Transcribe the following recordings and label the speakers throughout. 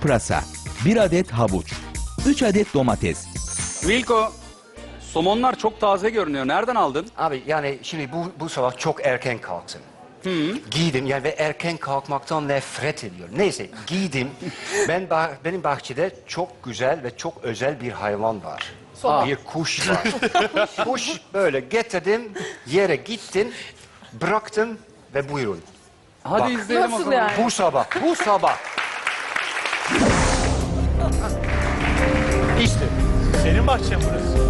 Speaker 1: pırasa, 1 adet havuç, 3 adet domates.
Speaker 2: Wilko, somonlar çok taze görünüyor. Nereden aldın?
Speaker 3: Abi yani şimdi bu sabah çok erken kalktım. Giydim yani ve erken kalkmaktan nefret ediyorum. Neyse giydim. Benim bahçede çok güzel ve çok özel bir hayvan var. Bir kuş var. Kuş böyle getirdim, yere gittim, bıraktım ve buyurun.
Speaker 2: Hadi
Speaker 3: Bak.
Speaker 2: izleyelim o
Speaker 4: Nasıl
Speaker 2: zaman.
Speaker 4: yani?
Speaker 3: Bu sabah. İşte.
Speaker 5: Senin bahçen burası.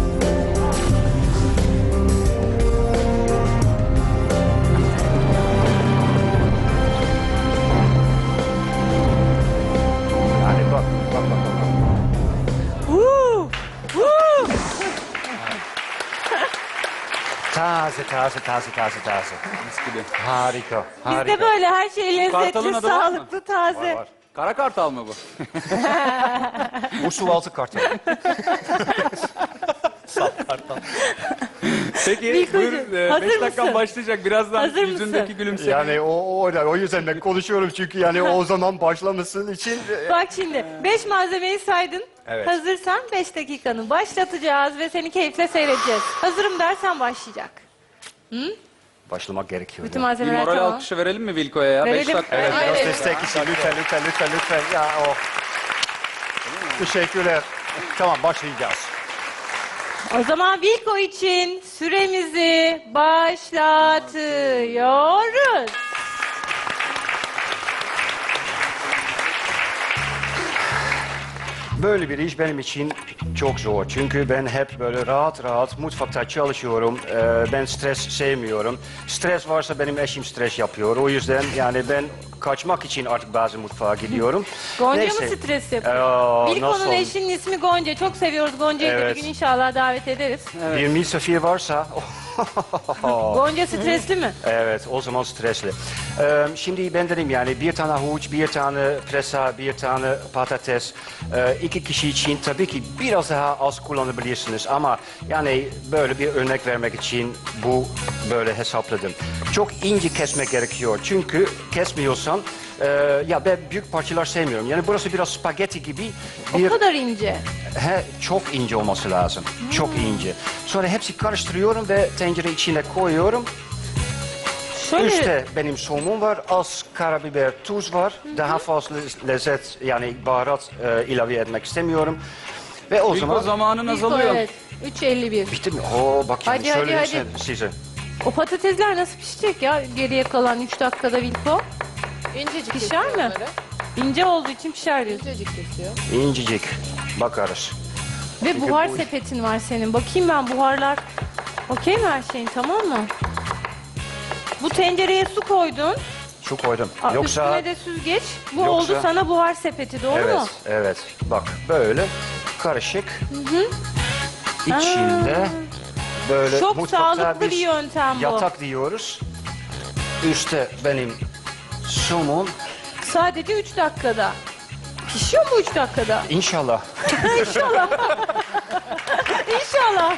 Speaker 3: Yani bak.
Speaker 4: Woo! Woo!
Speaker 3: Taze.
Speaker 2: Mis gibi.
Speaker 3: Harika.
Speaker 4: Bizde böyle her şey
Speaker 2: Kartalın
Speaker 4: lezzetli,
Speaker 2: adı var mı?
Speaker 4: sağlıklı, taze.
Speaker 3: Var.
Speaker 2: Kara kartal mı bu?
Speaker 3: Bu sualtı kartal.
Speaker 2: Peki
Speaker 4: Wilko'cuğum,
Speaker 2: buyur.
Speaker 4: hazır
Speaker 2: 5 dakikan
Speaker 4: mısın?
Speaker 2: başlayacak. Birazdan
Speaker 4: Hazır
Speaker 2: yüzündeki
Speaker 4: mısın?
Speaker 2: gülümseme.
Speaker 3: Yani o yüzden ben konuşuyorum çünkü yani o zaman başlamasın için.
Speaker 4: Bak şimdi 5 malzemeyi saydın.
Speaker 3: Evet.
Speaker 4: Hazırsan 5 dakikanı başlatacağız ve seni keyifle seyredeceğiz. Hazırım dersen başlayacak.
Speaker 3: Başlamak gerekiyor.
Speaker 4: Bütün
Speaker 3: ya.
Speaker 2: Bir
Speaker 4: malzemeler
Speaker 2: moral
Speaker 4: tamam.
Speaker 2: alkışı verelim mi Wilko'ya ya? 5
Speaker 4: Verelim.
Speaker 2: dakika.
Speaker 3: Evet,
Speaker 4: Aynen.
Speaker 3: biraz destek için lütfen. Ya o. Teşekkürler. Tamam başlayacağız.
Speaker 4: O zaman Wilko için süremizi başlatıyoruz.
Speaker 3: Böyle bir iş benim için çok zor. Çünkü ben hep böyle rahat mutfakta çalışıyorum. Ben stres sevmiyorum. Stres varsa benim eşim stres yapıyor. O yüzden yani ben kaçmak için artık bazı mutfağa gidiyorum.
Speaker 4: Gonca
Speaker 3: Neyse.
Speaker 4: mı stres yapıyor?
Speaker 3: Nasıl?
Speaker 4: Wilko'nun eşinin ismi Gonca. Çok seviyoruz Gonca'yı da
Speaker 3: Evet.
Speaker 4: bir gün inşallah davet ederiz.
Speaker 3: Bir misafir varsa...
Speaker 4: Gonca stresli mi?
Speaker 3: Evet, o zaman stresli. Şimdi ben dedim yani bir tane havuç, bir tane pırasa, bir tane patates. 2 kişi için tabii ki biraz daha az kullanabilirsiniz ama yani böyle bir örnek vermek için bu böyle hesapladım. Çok ince kesmek gerekiyor çünkü kesmiyorsan ya ben büyük parçalar sevmiyorum. Yani burası biraz spagetti gibi bir...
Speaker 4: O kadar ince.
Speaker 3: Çok ince olması lazım. Çok ince. Sonra hepsi karıştırıyorum ve tencere içine koyuyorum.
Speaker 4: Şöyle
Speaker 3: Üstte benim somon var, az karabiber, tuz var. Daha fazla lezzet yani baharat ilave etmek istemiyorum. Ve o
Speaker 2: Wilko
Speaker 3: zaman...
Speaker 2: zamanın
Speaker 4: Wilko,
Speaker 2: azalıyor.
Speaker 4: evet. 3.51.
Speaker 3: Bitti mi? Oo bak
Speaker 4: Hadi,
Speaker 3: şimdi
Speaker 4: hadi,
Speaker 3: söyleyeyim size.
Speaker 4: O patatesler nasıl pişecek ya geriye kalan 3 dakikada Wilko?
Speaker 6: İncecik
Speaker 4: Pişer
Speaker 6: kesiyor
Speaker 4: mi?
Speaker 6: onları.
Speaker 4: İnce olduğu için pişer diyorsun.
Speaker 6: İncecik kesiyor.
Speaker 3: İncecik. Bakarız.
Speaker 4: Ve
Speaker 3: Çünkü
Speaker 4: buhar
Speaker 3: bu-
Speaker 4: sepetin var senin. Bakayım ben buharlar. Okey mi her şeyin tamam mı? Bu tencereye su koydun.
Speaker 3: Su koydum.
Speaker 4: Üstüne de süzgeç. Bu
Speaker 3: Yoksa-
Speaker 4: oldu sana buhar sepeti doğru mu?
Speaker 3: Evet. Bak böyle karışık. İçinde böyle
Speaker 4: Çok
Speaker 3: mutfakta
Speaker 4: sağlıklı
Speaker 3: biz
Speaker 4: bir yöntem bu.
Speaker 3: yatak diyoruz. Üstte benim somon.
Speaker 4: Sadece 3 dakikada. Pişiyor mu 3 dakikada?
Speaker 3: İnşallah.
Speaker 4: İnşallah. İnşallah.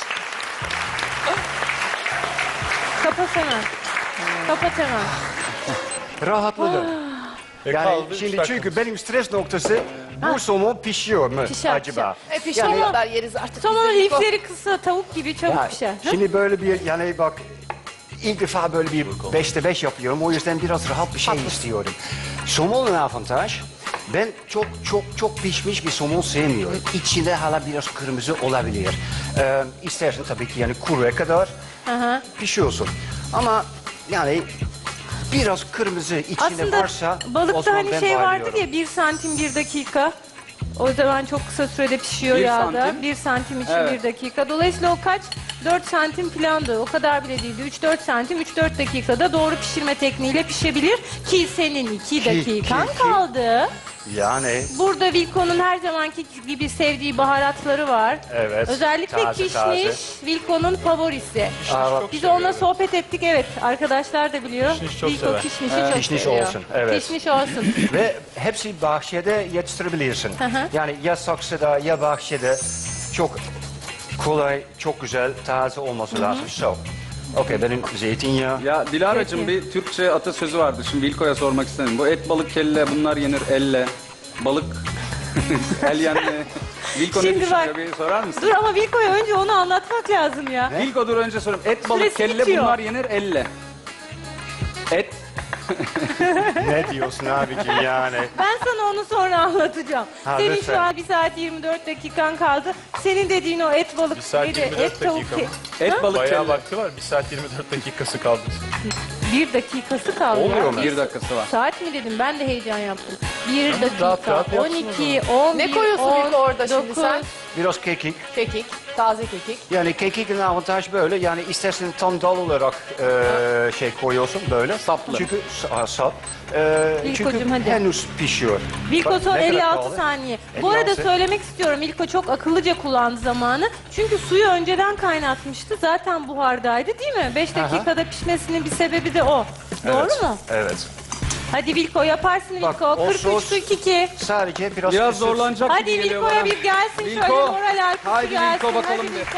Speaker 4: Kapat hemen. Kapat hemen.
Speaker 3: Rahatladım. Yani
Speaker 5: kaldı üç
Speaker 3: şimdi
Speaker 5: dakika.
Speaker 3: çünkü benim stres noktası bu somon pişiyor mu
Speaker 4: Pişer,
Speaker 3: acaba?
Speaker 6: Pişene
Speaker 3: Yani-
Speaker 6: kadar yeriz artık.
Speaker 4: Sonra
Speaker 6: biz de Wilko.
Speaker 4: lifleri kısa tavuk gibi çabuk
Speaker 3: Ya,
Speaker 4: pişer.
Speaker 3: şimdi böyle bir yani bak ilk defa böyle bir 5'te 5 yapıyorum. O yüzden biraz rahat bir şey istiyorum. Somonun avantaj ben çok pişmiş bir somon sevmiyorum. İçinde hala biraz kırmızı olabilir. İstersen tabii ki yani kuruya kadar pişiyorsun. Ama yani biraz kırmızı içinde
Speaker 4: Aslında
Speaker 3: varsa o
Speaker 4: balıkta
Speaker 3: zaman
Speaker 4: hani
Speaker 3: ben
Speaker 4: şey vardır
Speaker 3: bayılıyorum.
Speaker 4: ya 1 santim 1 dakika. O zaman çok kısa sürede pişiyor
Speaker 2: 1
Speaker 4: yağda.
Speaker 2: santim.
Speaker 4: 1 santim için
Speaker 2: Evet.
Speaker 4: 1 dakika. Dolayısıyla o kaç? 4 santim filandı. O kadar bile değildi. 3-4 santim 3-4 dakikada doğru pişirme tekniğiyle pişebilir. Ki senin 2 dakikan
Speaker 3: ki-
Speaker 4: kaldı.
Speaker 3: Yani
Speaker 4: Burada Wilko'nun her zamanki gibi sevdiği baharatları var.
Speaker 3: evet.
Speaker 4: Özellikle
Speaker 3: taze,
Speaker 4: kişniş
Speaker 3: taze.
Speaker 4: Wilko'nun favorisi.
Speaker 3: Aa, bak,
Speaker 4: Biz onunla sohbet ettik evet. Arkadaşlar da biliyor.
Speaker 5: Kişniş çok
Speaker 4: Wilko
Speaker 5: sever.
Speaker 4: kişnişi çok
Speaker 3: Kişniş
Speaker 4: seviyor.
Speaker 3: olsun, evet.
Speaker 4: Kişniş olsun.
Speaker 3: Ve hepsi bahçede yetiştirebilirsin.
Speaker 4: hı.
Speaker 3: Yani ya saksıda ya bahçede çok kolay, çok güzel, taze olması lazım. So, okey benim zeytinyağı.
Speaker 2: Ya Dilara'cığım
Speaker 4: Peki.
Speaker 2: bir Türkçe atasözü vardı. Şimdi Wilko'ya sormak istedim. Bu et balık kelle bunlar yenir elle. Balık. Elyen. Vilko ne
Speaker 4: Şimdi
Speaker 2: düşünüyor?
Speaker 4: bak-
Speaker 2: Bir sorar mısın?
Speaker 4: Dur ama Vilko'ya önce onu anlatmak lazım ya.
Speaker 2: Vilko dur önce sorayım. Et, balık,
Speaker 4: Süresi
Speaker 2: kelle
Speaker 4: bitiyor.
Speaker 2: bunlar yenir elle. Et.
Speaker 3: Ne diyorsun abicim yani?
Speaker 4: Ben sana onu sonra anlatacağım.
Speaker 3: Ha,
Speaker 4: Senin
Speaker 3: lütfen.
Speaker 4: şu an 1 saat 24 dakikan kaldı. Senin dediğin o et balık
Speaker 5: 1 saat
Speaker 4: neydi?
Speaker 5: 24
Speaker 4: Et tavuk
Speaker 5: dakika mı?
Speaker 2: Et, balık,
Speaker 5: Bayağı
Speaker 2: kelle.
Speaker 5: vakti var. 1 saat 24 dakikası kaldı.
Speaker 4: 1 dakikası kaldı.
Speaker 3: Oluyor
Speaker 4: ya.
Speaker 3: mu?
Speaker 2: 1 dakikası var.
Speaker 4: Saat mi dedim? Ben de heyecan yaptım. 1 dakika,
Speaker 5: rahat rahat yapsın
Speaker 4: 12, 11,
Speaker 6: Ne koyuyorsun
Speaker 4: 10,
Speaker 6: Vilko orada şimdi
Speaker 4: 9.
Speaker 6: sen?
Speaker 3: Biraz kekik.
Speaker 6: Kekik, taze kekik.
Speaker 3: Yani kekikin avantaj böyle. Yani istersen tam dal olarak şey koyuyorsun böyle.
Speaker 2: Saplı.
Speaker 3: Çünkü sap. Çünkü
Speaker 4: İlkocuğum, hadi.
Speaker 3: henüz pişiyor.
Speaker 4: Vilko
Speaker 3: Bak,
Speaker 4: son
Speaker 3: ne kadar
Speaker 4: 56
Speaker 3: kaldı?
Speaker 4: saniye. Bu arada
Speaker 3: 56.
Speaker 4: söylemek istiyorum. Vilko çok akıllıca kullandı zamanı. Çünkü suyu önceden kaynatmıştı. Zaten buhardaydı değil mi? 5 dakikada pişmesinin bir sebebi de o. Doğru mu?
Speaker 3: Evet.
Speaker 4: Hadi Vilko yaparsın
Speaker 3: Bak,
Speaker 4: Vilko.
Speaker 3: o
Speaker 4: 43
Speaker 3: sos-
Speaker 4: 42.
Speaker 3: Sadece biraz
Speaker 2: Biraz
Speaker 3: kısır.
Speaker 2: zorlanacak
Speaker 4: Hadi
Speaker 2: gibi geliyor
Speaker 4: Vilko'ya
Speaker 2: bana.
Speaker 4: bir gelsin
Speaker 2: Vilko.
Speaker 4: şöyle moral alkışı
Speaker 2: Haydi
Speaker 4: gelsin.
Speaker 2: Vilko bakalım
Speaker 4: Hadi
Speaker 2: bir.
Speaker 4: Vilko.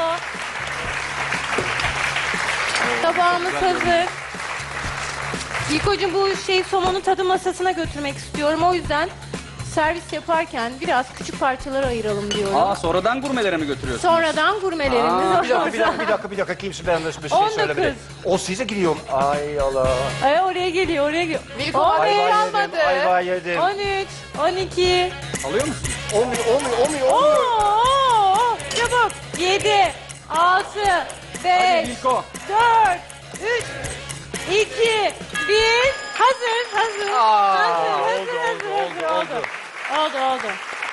Speaker 4: Tabağımız hazır. Vilko'cum bu somonu tadım masasına götürmek istiyorum. O yüzden servis yaparken biraz küçük parçalara ayıralım diyorum.
Speaker 2: Aa sonradan gurmelere mi götürüyorsun?
Speaker 4: Sonradan gurmelerimiz
Speaker 3: Bir dakika. Kimse benden bir şey
Speaker 4: 19.
Speaker 3: söylemedi. O size gidiyor. Ay Allah.
Speaker 4: Ay, oraya geliyor.
Speaker 6: Vilko
Speaker 4: 15,
Speaker 6: ayva almadı.
Speaker 3: Ayva yedim.
Speaker 4: 13, 12.
Speaker 2: Alıyor musun?
Speaker 3: Olmuyor.
Speaker 4: Oo, çabuk. 7, 6, 5,
Speaker 2: Hadi Vilko.
Speaker 4: 4, 3, 2, 1. Hazır. Oldu.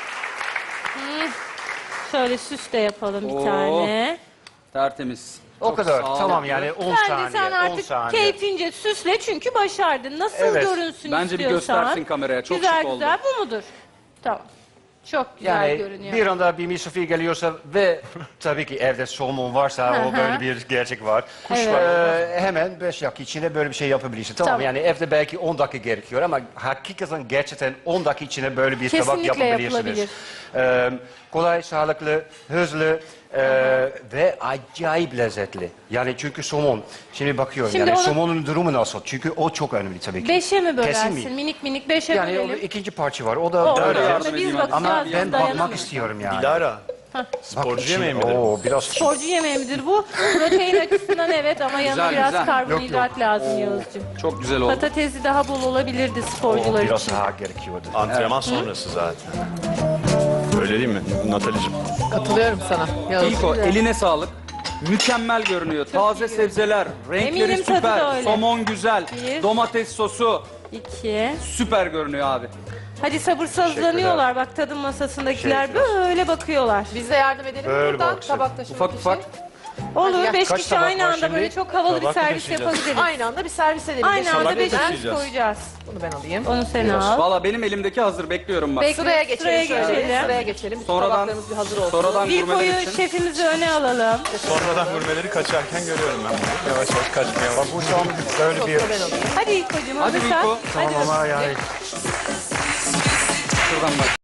Speaker 4: Şöyle süs de yapalım bir
Speaker 2: Oo.
Speaker 4: tane.
Speaker 2: Tertemiz.
Speaker 3: O
Speaker 2: Çok
Speaker 3: kadar.
Speaker 2: sağlıklı.
Speaker 3: Tamam yani 10
Speaker 4: Bence
Speaker 3: saniye.
Speaker 4: sen
Speaker 3: 10
Speaker 4: artık
Speaker 3: saniye.
Speaker 4: keyfince süsle çünkü başardın. Nasıl
Speaker 3: Evet.
Speaker 4: görünsün
Speaker 2: Bence bir
Speaker 4: istiyorsan.
Speaker 2: göstersin kameraya. Çok
Speaker 4: güzel
Speaker 2: şık oldu.
Speaker 4: güzel bu mudur? Tamam. Çok güzel
Speaker 3: Yani
Speaker 4: görünüyor.
Speaker 3: bir anda bir misafir geliyorsa ve tabii ki evde somon varsa o böyle bir gerçek var. Hemen 5 dakika içinde böyle bir şey yapabilirsin. Tamam,
Speaker 4: Tamam.
Speaker 3: yani evde belki 10 dakika gerekiyor ama hakikaten gerçekten 10 dakika içinde böyle bir tabak
Speaker 4: Kesinlikle
Speaker 3: yapabilirsiniz. Kolay, sağlıklı, hızlı ve acayip lezzetli. Yani çünkü somon. Şimdi bakıyorum
Speaker 4: Şimdi
Speaker 3: yani
Speaker 4: onu-
Speaker 3: somonun durumu nasıl? Çünkü o çok önemli tabii ki.
Speaker 4: 5'e mi
Speaker 3: Kesin
Speaker 4: bölersin?
Speaker 3: mi?
Speaker 4: Minik 5'e
Speaker 3: Yani o
Speaker 4: bölelim.
Speaker 3: ikinci parça var. O da
Speaker 4: O,
Speaker 3: böyle.
Speaker 2: yardım
Speaker 4: yardım biz
Speaker 2: edeyim
Speaker 4: bakacağız.
Speaker 3: Ama
Speaker 4: biz
Speaker 3: ben
Speaker 4: dayanamayız.
Speaker 3: bakmak istiyorum yani.
Speaker 5: Dilara.
Speaker 3: Bak
Speaker 5: Sporcu
Speaker 3: şimdi-
Speaker 5: yemeği midir?
Speaker 3: Oo, biraz
Speaker 4: Sporcu yemeği midir bu? Protein açısından evet ama yanına
Speaker 2: Güzel,
Speaker 4: biraz
Speaker 2: güzel.
Speaker 4: karbonhidrat lazım Yağız'cığım.
Speaker 2: Çok güzel oldu.
Speaker 4: Patatesi daha bol olabilirdi
Speaker 3: o
Speaker 4: sporcular
Speaker 3: biraz
Speaker 4: için.
Speaker 3: daha gerekiyordu.
Speaker 5: Antrenman sonrası zaten. Öyle değil mi Natalie'cim?
Speaker 6: Katılıyorum sana. Yağız.
Speaker 2: Vilko eline sağlık. Mükemmel görünüyor. Taze sebzeler, renkleri
Speaker 4: Eminim tadı da
Speaker 2: süper,
Speaker 4: öyle.
Speaker 2: somon güzel,
Speaker 4: Bir.
Speaker 2: domates sosu
Speaker 4: 2.
Speaker 2: süper görünüyor abi.
Speaker 4: Hadi sabırsızlanıyorlar bak tadım masasındakiler
Speaker 3: Teşekkürler.
Speaker 4: böyle bakıyorlar.
Speaker 6: Biz de yardım edelim
Speaker 3: Böyle
Speaker 6: buradan
Speaker 3: baksın.
Speaker 6: tabak taşımak
Speaker 2: Ufak
Speaker 6: için.
Speaker 2: ufak.
Speaker 4: Olur
Speaker 6: gel.
Speaker 4: 5
Speaker 3: Kaç
Speaker 4: kişi
Speaker 3: tabak
Speaker 4: aynı
Speaker 3: var
Speaker 4: anda
Speaker 3: şimdi?
Speaker 4: böyle çok havalı bir
Speaker 5: Tabak
Speaker 4: servis
Speaker 5: taşıyacağız.
Speaker 4: yapabiliriz.
Speaker 6: Aynı anda bir servis edelim.
Speaker 4: Aynı anda
Speaker 5: Tabak
Speaker 4: 5
Speaker 5: taşıyacağız.
Speaker 4: koyacağız.
Speaker 6: Bunu ben alayım.
Speaker 4: Onu sen al.
Speaker 2: Valla benim elimdeki hazır bekliyorum bak.
Speaker 4: Bekle,
Speaker 6: Sıraya geçelim.
Speaker 4: Sıraya
Speaker 6: şöyle.
Speaker 4: geçelim.
Speaker 6: Sıraya geçelim. Bütün
Speaker 2: Sonradan
Speaker 6: tabaklarımız bir hazır olsun.
Speaker 2: sonradan
Speaker 4: Bir
Speaker 2: gurmeler
Speaker 4: koyu
Speaker 2: için.
Speaker 4: şefimizi öne alalım.
Speaker 5: Sonradan gurmeleri kaçarken görüyorum ben bunu. Yavaş yavaş kaçmaya
Speaker 3: Bak bu tam böyle bir...
Speaker 6: Ben alayım.
Speaker 4: Hadi İlkocuğum
Speaker 2: Hadi
Speaker 4: hazırsan.
Speaker 2: Vilko.
Speaker 4: Hadi
Speaker 3: Tamam ama yani
Speaker 2: Şuradan bak.